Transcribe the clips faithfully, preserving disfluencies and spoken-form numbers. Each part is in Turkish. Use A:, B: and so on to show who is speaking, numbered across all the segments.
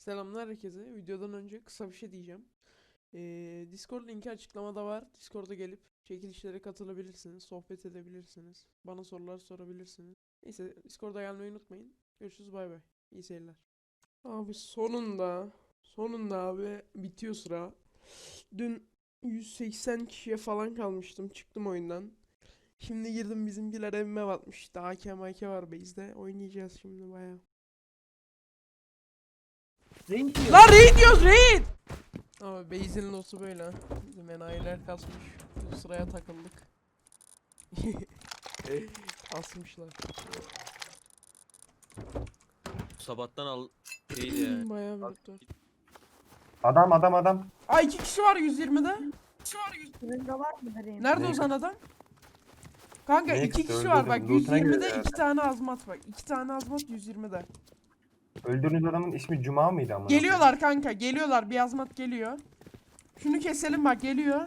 A: Selamlar herkese. Videodan önce kısa bir şey diyeceğim. Ee, Discord linki açıklamada var. Discord'a gelip çekilişlere katılabilirsiniz, sohbet edebilirsiniz, bana sorular sorabilirsiniz. Neyse Discord'a gelmeyi unutmayın. Görüşürüz, bay bay. İyi seyirler. Abi sonunda, sonunda abi bitiyor sıra. Dün yüz seksen kişiye falan kalmıştım. Çıktım oyundan. Şimdi girdim, bizimkiler evime batmış. Daha A K M K var base'de. Oynayacağız şimdi bayağı.
B: Raid diyor.
A: Lan raid diyoruz, raid! Abi base'in losu böyle. Bizim enayiler kasmış. Biz sıraya takıldık. Asmışlar.
B: Sabahtan al değil ya.
A: Bayağı
B: Bak,
A: bir doktor.
C: Adam adam adam.
A: Ay iki kişi var yüz yirmide.
D: Fırında var mı vereyim?
A: Nerede
C: Ne?
A: Ozan adam? Kanka
C: Ne
A: iki
C: kısa,
A: kişi var
C: öldürdüm.
A: bak,
C: Loot'una
A: yüz yirmide
C: giriyor
A: iki tane azmat bak. iki tane azmat yüz yirmide.
C: Öldürdüğünüz adamın ismi Cuma mıydı ama?
A: Geliyorlar kanka, geliyorlar, bir azmat geliyor. Şunu keselim bak, geliyor.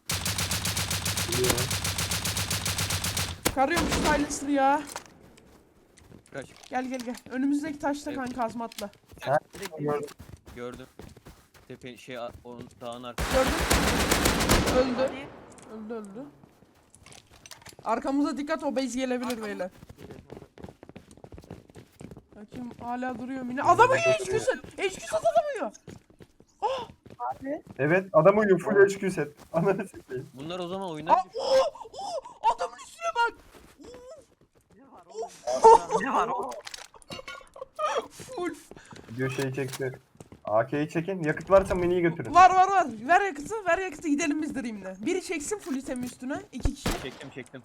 A: Karıyormuş Silencer ya.
B: kaç.
A: Gel gel gel. Önümüzdeki taşta
B: Evet.
A: kanka azmatla.
C: Gördüm.
B: Gördüm. Tepe şey a- o dağın arkasında.
A: Gördün? Öldü. Öldü öldü. Arkamıza dikkat, o base gelebilir beyler. Bakayım hala duruyor yine. Adamı yiyor, H Q'sun. H Q'sun adamı yiyor.
D: Abi.
C: Evet adam uyuyor full H Q set. Ananı sikeyim.
B: Bunlar o zaman
A: Aa,
B: oynar.
A: oo, oo, adamın üstüne bak.
E: Ne var o?
A: Full.
C: Video şeyi çekti. A K'yi çekin. Yakıt varsa miniyi götürün.
A: Var var var. Ver yakıtı, ver yakıtı, gidelim biz Dream'le. Biri çeksin full itemi üstüne. İki kişi.
B: Çektim çektim.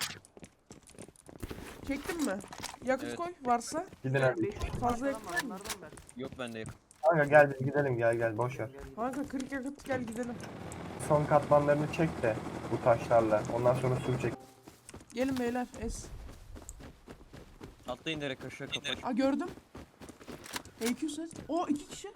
A: Çektin mi? Yakıt
B: Evet.
A: koy varsa.
C: Gidin hadi.
A: Fazla yakıt var mı?
E: Onlardan ver.
B: Yok bende yakın.
C: Kanka gel biz gidelim gel gel boş ver.
A: Kanka kırık yakıt, gel gidelim.
C: Son katmanlarını çek de bu taşlarla. Ondan sonra su çek.
A: Gelin beyler, es.
B: Atlayın direkt aşağı kapat.
A: Aa gördüm. H Q set. O iki kişi.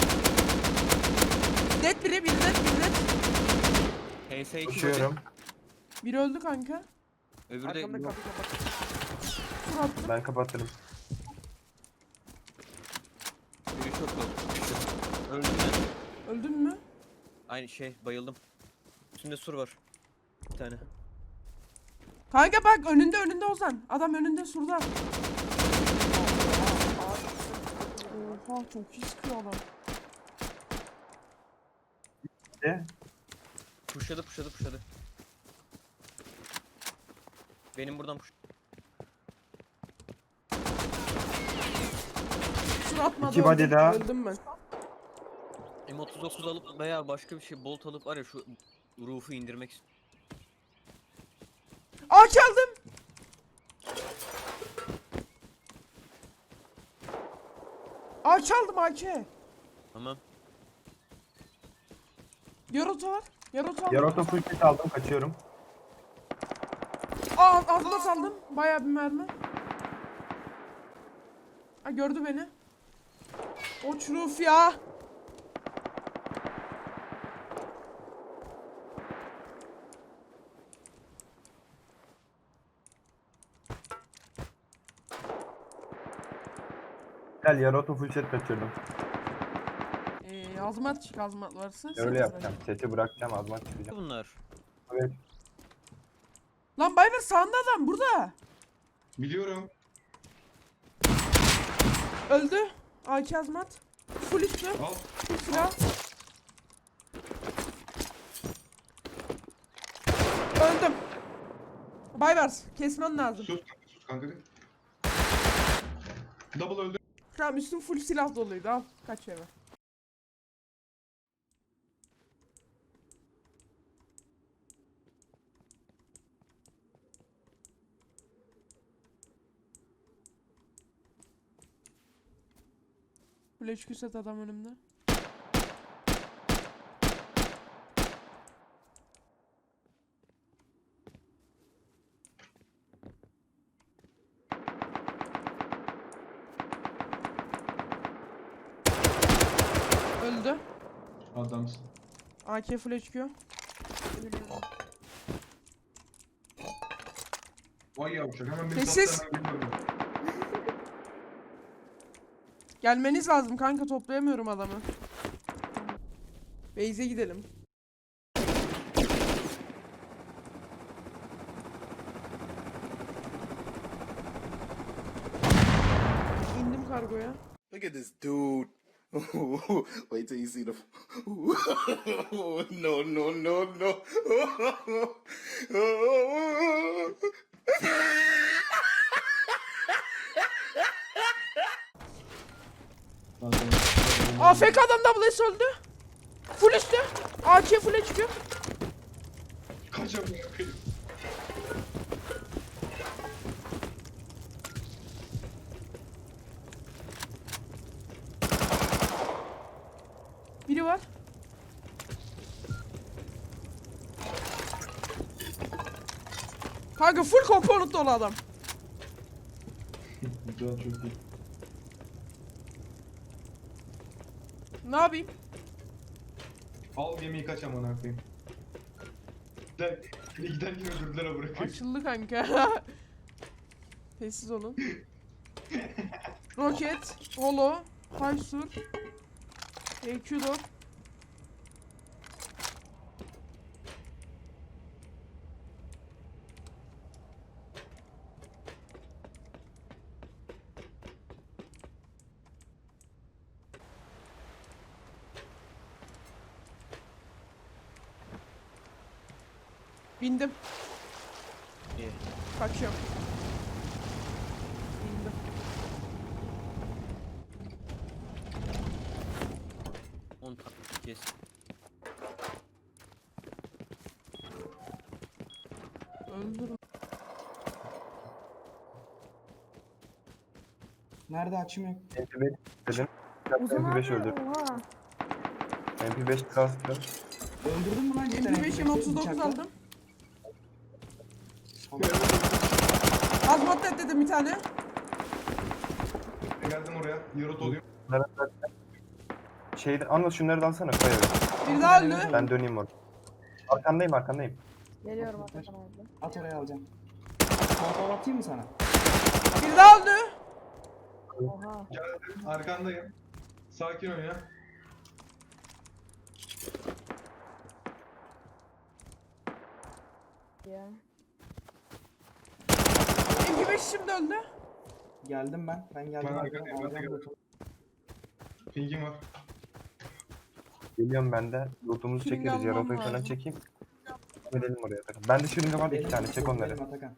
A: Dead biri, biri dead, biri dead.
B: H S iki
C: Koşuyorum.
A: Biri öldü kanka.
B: Öbürü de
E: Arkamda kapı kapat.
A: Tur attım.
C: Ben kapatırım.
B: biri çok oldu. Öldüm ben.
A: Öldün mü?
B: Aynı şey bayıldım. Üstünde sur var. Bir tane.
A: Kanka bak, önünde önünde Ozan. Adam önünde surda. Oha çok iyi sıkıyor adam.
C: De.
B: Pushladı pushladı pushladı. Benim buradan push.
A: Sur atmadı.
C: İki body
A: öldüm.
C: daha.
A: Öldüm ben.
B: M otuz dokuz alıp veya başka bir şey bolt alıp var ya şu roof'u indirmek istiyorum.
A: Aa çaldım. Aa çaldım A K.
B: Tamam.
A: Yaroto var. Yaroto aldım.
C: Yaroto full set aldım kaçıyorum.
A: Aa azmat aldım. Bayağı bir mermi. Aa gördü beni. O çuruf ya.
C: Gel Yaroto full set kaçırdım.
A: Ee, azmat çık, azmat varsa.
C: Öyle
A: sekiz
C: yapacağım.
A: lira.
C: Seti bırakacağım azmak çıkacağım.
B: Bunlar.
C: Evet.
A: Lan Bayver sağında adam burada.
F: Biliyorum.
A: Öldü. A K azmat. Full üstü.
F: Al.
A: Full silah. Öldüm. Bayvers kesmen lazım.
F: Sus kanka sus kanka. Double öldü.
A: Tamam, üstüm full silah doluydu, al kaç eve. Full H Q set adam önümde. Öldü.
F: Adamsın.
A: A K full H Q.
F: Vay yavşak hemen beni
A: Sessiz.
F: sattı hemen geliyorum.
A: Gelmeniz lazım kanka, toplayamıyorum adamı. Beyze gidelim. İndim kargoya.
E: Look at this dude. Wait till you see the. no, no, no, no.
A: A F K adam double S öldü. Full üstü. A K full'e çıkıyor.
F: Kaçamıyor.
A: Biri var. Kanka full component dolu adam.
F: Güzel, çok iyi.
A: Ne yapayım?
F: Al gemiyi kaç amına koyayım. Gider, giderken öldürdüler ha bırakayım.
A: Açıldı kanka. Sessiz olun. Roket, Holo, Haysur, E Q dört. Bindim.
B: İyi.
A: Kaçıyorum. Bindim.
B: on taktik kes.
A: Öldürün.
G: Nerede açım yok?
C: M P beş dedim.
D: Uzun
C: M P beş
D: abi.
C: öldürdüm.
D: Oha.
C: M P beş kastım.
G: Öldürdün mü lan cidden?
A: M P beş M otuz dokuz
G: Bıçakla.
A: aldım.
G: Tamam.
A: Azmat dedim bir tane.
F: Geldim oraya. Yarot olayım.
C: Şeyde anla şunları da alsana koy eve.
A: Bir daha öldü.
C: Ben döneyim orada. Arkandayım arkandayım.
D: Geliyorum Atakan abi.
G: At oraya alacağım. Kontrol atayım mı sana?
A: Bir daha öldü.
D: Oha.
F: Geldim. Arkandayım. Sakin oyna.
D: Ya.
A: M P beş şimdi öldü.
G: Geldim ben. Ben geldim.
F: Ben
G: alacağım,
F: arkadayım, ben de
G: alacağım
F: geldim.
G: botu.
F: Pingim var.
C: Geliyorum ben de. Lootumuzu
A: Şırınga
C: çekeriz.
A: almam
C: Yaratayı falan
A: lazım.
C: çekeyim. Gidelim oraya. Ben de şırınga var iki
G: Benim-
C: tane. Çek onları.
G: benim Atakan.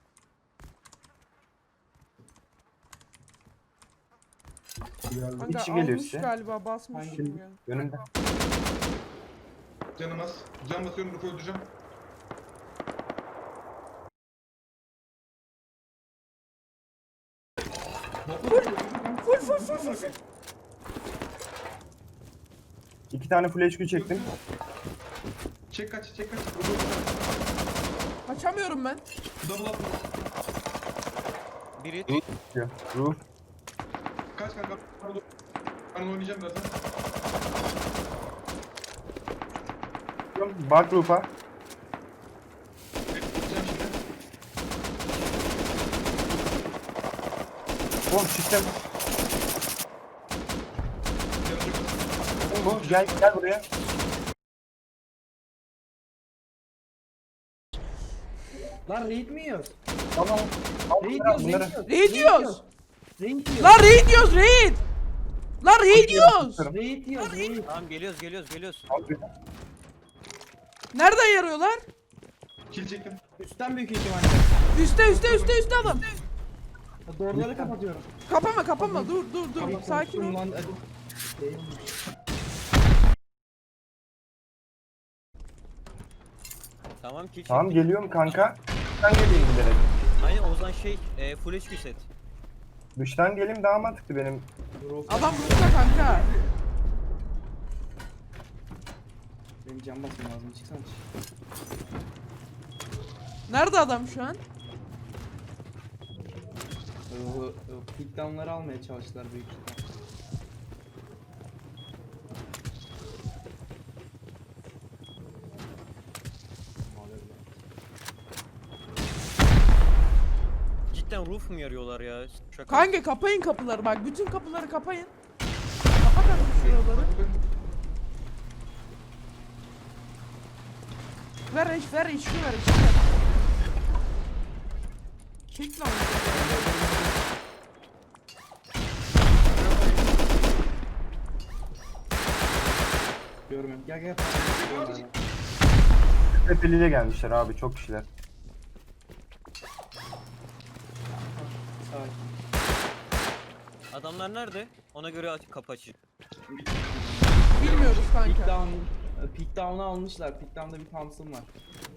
A: Kanka
C: Bir kişi
A: almış
C: geliyor size.
A: galiba, basmış.
G: Hangi-
A: gibi yani.
C: Önümde.
F: Canım az. Can basıyorum, Ruf'u öldüreceğim.
A: Full full full full full.
C: İki tane full H Q çektim.
F: Çek kaç, çek kaç. Ruf'u
A: Kaçamıyorum ben.
F: double at.
B: Biri
C: Diyor. Roof.
F: Kaç kanka. Ben oynayacağım birazdan.
C: Bak roof'a.
F: Bekleyeceğim şimdi.
C: Oğlum çıktım.
F: Yanacak.
C: Oğlum gel gel buraya.
G: Lan raid mi yiyoruz?
C: Tamam. Al
G: Raid
C: bunları.
G: yiyoruz,
C: bunları.
G: raid
A: Raid
G: yiyoruz.
A: yiyoruz.
G: Raid yiyoruz.
A: Lan raid yiyoruz raid. Lan raid yiyoruz.
G: Raid yiyoruz, raid.
B: tamam geliyoruz geliyoruz geliyoruz.
C: Al bir-
A: Nereden yarıyorlar?
F: Kill çektim.
G: Üstten büyük ihtimalle.
A: Üste üste üste üste adam.
G: Doğruları kapatıyorum.
A: Kapama kapama, dur dur dur.
G: Tamam,
A: Sakin
G: korktum
A: ol.
G: lan, hadi. Değilmiş.
B: Tamam kill
C: Tamam
B: çektik.
C: geliyorum kanka. Dıştan geleyim giderek.
B: Aynen o zaman şey e, full H Q set.
C: Dıştan geleyim daha mantıklı benim.
A: Adam burada kanka.
G: Benim cam basmam lazım. Çıksana.
A: Nerede adam şu an?
G: Pickdown'ları almaya çalıştılar büyük ihtimalle.
B: Cidden cidden roof mu yarıyorlar ya? Şaka.
A: Kanka kapayın kapıları bak. Bütün kapıları kapayın. Kapat artık şuraları. Ver eş, ver eşki ver eşki ver. Çek lan.
G: Görmüyorum. Gel gel. Görmüyorum.
C: Tepeli'ye gelmişler abi çok kişiler.
G: Sakin.
B: Adamlar nerede? Ona göre aç kapı açayım.
A: Bilmiyoruz
G: Peak
A: kanka.
G: down, peak down'u almışlar. Peak down'da bir Thompson var.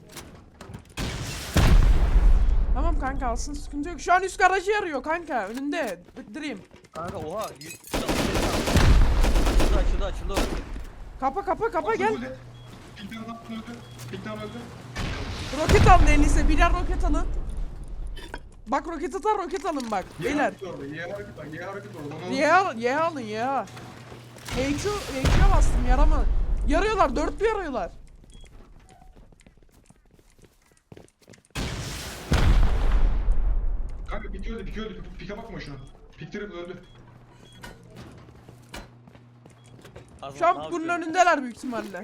A: Tamam kanka alsın sıkıntı yok. Şu an üst garajı yarıyor kanka. Önünde. Dream.
B: Kanka oha. yüz- Açıldı açıldı açıldı.
A: Kapa kapa kapa gel.
F: Pikten öldü. Pikten öldü.
A: Roket alın elinize. Birer roket alın. Bak roket atar roket alın bak.
F: Y
A: Beyler.
F: hareket orada. Y hareket var. Y hareket orada. Onu alın.
A: Y al, Y alın Y. H Q, H Q'ya bastım yarama. Yarıyorlar, dörtlü yarıyorlar.
F: Kanka pik öldü. Pik öldü. Pike bakma şuna. Pik triple öldü.
B: Azam,
A: Şu
B: ne
A: an bunun
B: yapıyorsun?
A: önündeler büyük ihtimalle.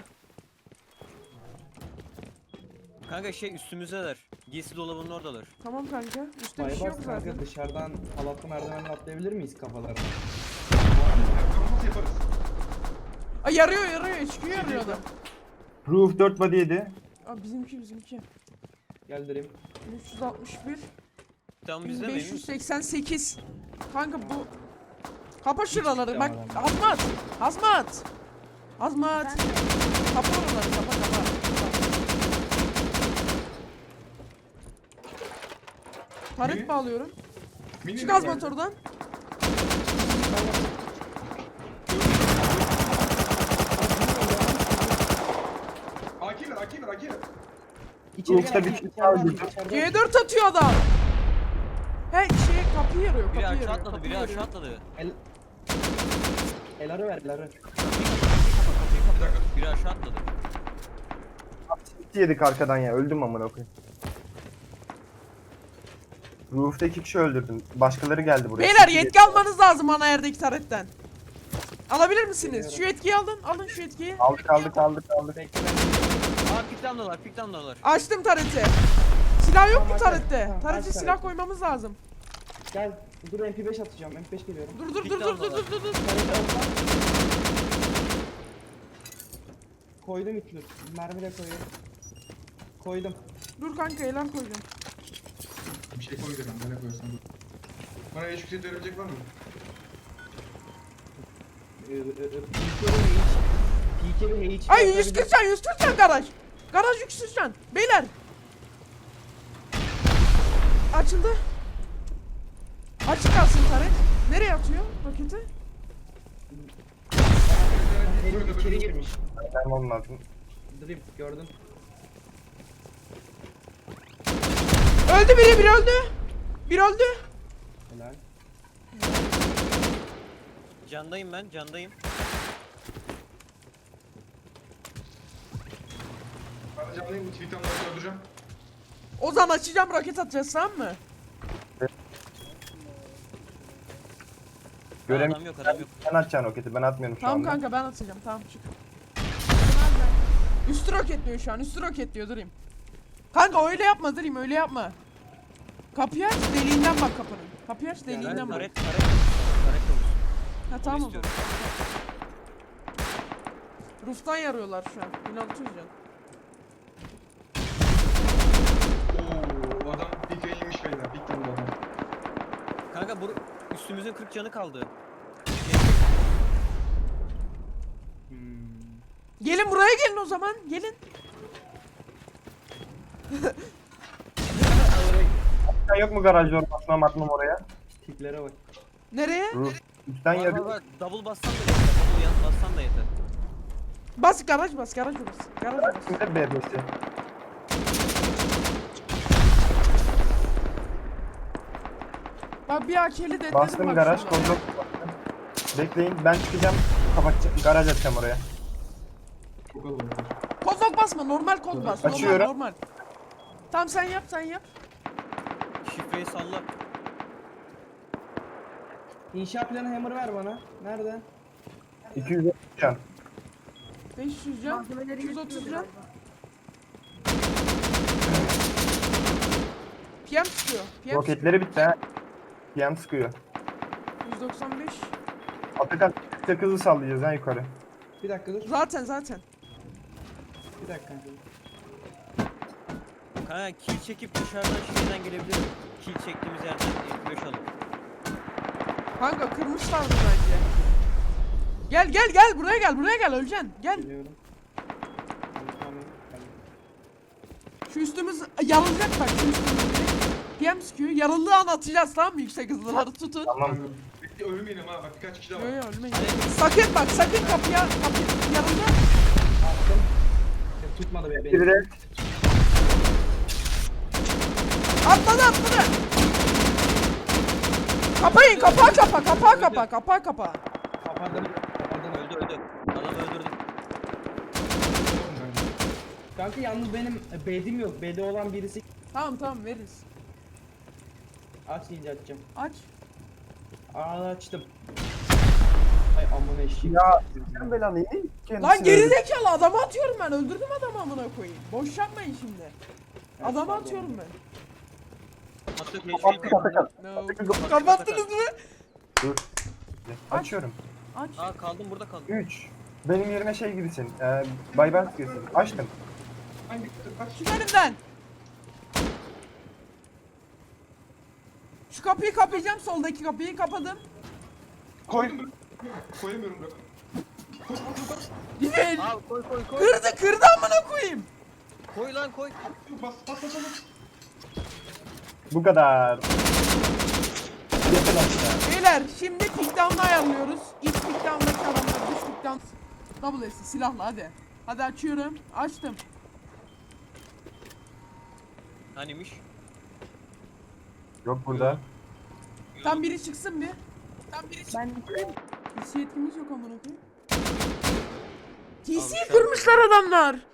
B: Kanka şey üstümüzdeler. Giysi dolabının oradalar.
A: Tamam kanka. Üstte bir şey yok
G: Baybars
A: zaten.
G: kanka dışarıdan halatlı merdivenle atlayabilir miyiz kafalarına?
F: Nasıl yaparız?
A: Ay yarıyor yarıyor. H Q yarıyor adam.
C: Roof dört body yedi.
A: Aa bizimki bizimki.
G: Gel Dream.
A: üç yüz altmış bir.
B: Tam
A: bin
B: bizde
A: beş
B: mi?
A: yüz seksen sekiz. Kanka bu. Kapa şuraları. Bak
G: Tamam.
A: hazmat. Hazmat. Hazmat. Kapa oraları kapa kapa. Taret
F: Mini-
A: bağlıyorum.
F: Mini
A: Çık
F: mi
A: hazmat
F: geldi?
A: oradan.
F: A K ver. A K ver. A K ver.
G: İçeri
C: Roof'ta
G: gel.
C: bir
G: içeriden,
C: şey aldı.
G: içeriden.
A: C dört atıyor adam. He şey kapıyı yarıyor
B: Biri
A: kapıyı
B: aşağı
A: yarıyor.
B: atladı,
A: kapıyı
B: biri aşağı
A: yarıyor.
B: atladı.
G: El... Eları ver, eları.
B: Biri aşağı atladı.
C: City yedik arkadan ya öldüm amına koyayım. Roof'ta iki kişi öldürdüm. Başkaları geldi buraya.
A: Beyler
C: City
A: yetki almanız lazım ana yerdeki taretten. Alabilir misiniz? Şu yetkiyi alın. Alın şu yetkiyi.
C: Aldık aldık aldık aldık.
G: Bekle ben.
B: Aa piktamdalar piktamdalar.
A: Açtım tareti. Silah yok mu
G: Tamam, aç,
A: tarette?
G: tamam,
A: Tarete
G: aç
A: silah
G: tareti.
A: koymamız lazım.
G: Gel. Dur M P beş atacağım. M P beş geliyorum.
A: Dur dur
B: Bir
A: dur
B: tane
A: dur dur
B: daha
A: dur dur dur.
G: Tarayı alsam. Koydum itlür. Mermi de koyuyorum. Koydum.
A: Dur kanka elan koyacağım.
F: Bir şey koy dedim. Nereye koyarsan dur. Bana eş yüksek verebilecek var mı?
G: Ee, e, e, P K ve H.
A: Ay yüz kırk can yüz kırk can garaj. Garaj yüz kırk can. Beyler. Açıldı. Açık kalsın taret. Nereye atıyor roketi?
G: Herif içeri girmiş.
C: Ben olmazdım.
G: Dream gördün.
A: Öldü biri biri öldü. Biri öldü.
G: Helal.
B: Candayım ben candayım.
F: Ben de canlıyım. Tweet'ten nasıl öldüreceğim?
A: Ozan açacağım roket atacağız tamam mı?
C: Görem
B: Adam yok adam yok.
C: Sen atacaksın roketi ben atmıyorum şu
A: Tamam
C: anda.
A: kanka ben atacağım tamam çık. Üstü roketliyor şu an üstü roketliyor durayım. Kanka öyle yapma durayım öyle yapma. Kapıyı aç deliğinden bak kapının. Kapıyı aç
B: Ben
A: deliğinden bak.
B: taret taret taret olsun.
A: Ha
B: Onu
A: tamam o
B: istiyorum.
A: zaman. Roof'tan yarıyorlar şu an. bin altı yüz can.
F: Oo, adam pike yemiş beyler. Pik vurdu adam.
B: Kanka bu üstümüzün kırk canı kaldı.
G: Hmm.
A: Gelin buraya gelin o zaman. Gelin.
C: Sen yok mu garajda ortasına atmam oraya?
G: Tiplere bak.
A: Nereye?
C: Roof. Üstten
B: Var var
C: yarıyor.
B: var. Double bassan da yeter. Double yan bassan da yeter.
A: Bas garaj bas garaj bas. Garaj bas.
C: Kimde B B'si?
A: Bak bir akeli de
C: Bastım garaj kozlok. Bekleyin ben çıkacağım. Kapatacağım. Garaj atacağım oraya.
F: Çok kalabalık.
A: Kozlok basma normal kod bas. Normal
C: Açıyorum.
A: normal. Tamam sen yap sen yap.
B: Şifreyi salla.
G: İnşaat planı hammer ver bana. Nerede?
C: iki yüz can.
A: beş yüz can.
D: Malzemeleri
A: iki yüz otuz
D: götürüyor
A: can.
D: galiba.
A: P M sıkıyor. P M
C: Roketleri bitti ha. P M sıkıyor.
A: yüz doksan beş.
C: Atakan tek hızlı sallayacağız ha yukarı.
G: Bir dakika dur.
A: Zaten zaten.
G: Bir dakika.
B: Ha kill çekip dışarıdan şeyden gelebilirim. Kill çektiğimiz yerden ilk beş alıp.
A: Kanka kırmışlardı bence. Gel gel gel buraya gel buraya gel öleceksin. Gel.
G: Geliyorum. Tamam, tamam.
A: Şu üstümüz yarılacak bak şu üstümüz. P M sıkıyor. Yarıldığı an atacağız tamam mı yüksek hızlıları tutun.
C: Tamam.
F: Bekle ölmeyelim ha bak birkaç kişi daha
A: Yo
F: var.
A: yo ölmeyin. Sakın bak sakın kapıya kapı yarıldı.
G: Attım. Ya, tutmadı be
C: Biri
G: beni.
C: de
A: Atladı atladı. Kapayın kapağı kapa kapağı kapa kapağı kapa.
G: Kapadım. Kapadım.
B: Öldü öldü. Adamı öldürdüm.
F: Oğlum ben-
G: Kanka yalnız benim e, bed'im yok. Bed'i olan birisi
A: Tamam tamam veririz.
G: aç deyince açacağım.
A: Aç.
G: Aa açtım. Ay aman eşeğim.
C: ya sen belanı iyi.
A: Lan gerizekalı adamı atıyorum ben. Öldürdüm adamı amına koyayım. Boş yapmayın şimdi.
G: Evet,
A: Adamı
G: pardon.
A: atıyorum ben.
B: Hatta
C: Kapattık Atakan.
A: No. Kapattınız mı?
C: Açıyorum.
A: Aç.
B: Aa kaldım burada kaldım.
C: üç. Benim yerime şey gibisin. E, Baybars gibisin. Açtım.
F: Hangi kaç?
A: Çık önümden. Şu kapıyı kapayacağım. Soldaki kapıyı kapadım.
C: Koy.
F: Koyamıyorum bırak. Koy koy koy.
A: Gidin.
B: Aa koy koy koy.
A: Kırdı kırdı amına koyayım.
B: Koy lan koy.
F: Bas bas bas bas.
C: Bu kadar. Yakın aşağı.
A: Beyler şimdi pickdown'ı ayarlıyoruz. İlk pickdown'daki adamlar dış pickdown. Double S'i silahla hadi. Hadi açıyorum. Açtım.
B: Hanimiş?
C: Yok burada.
A: Tam biri çıksın bir. Tam biri çıksın.
D: Ben
A: T C yetkimiz yok amına koyayım. T
B: Abi
A: C'yi
B: sen-
A: kırmışlar adamlar.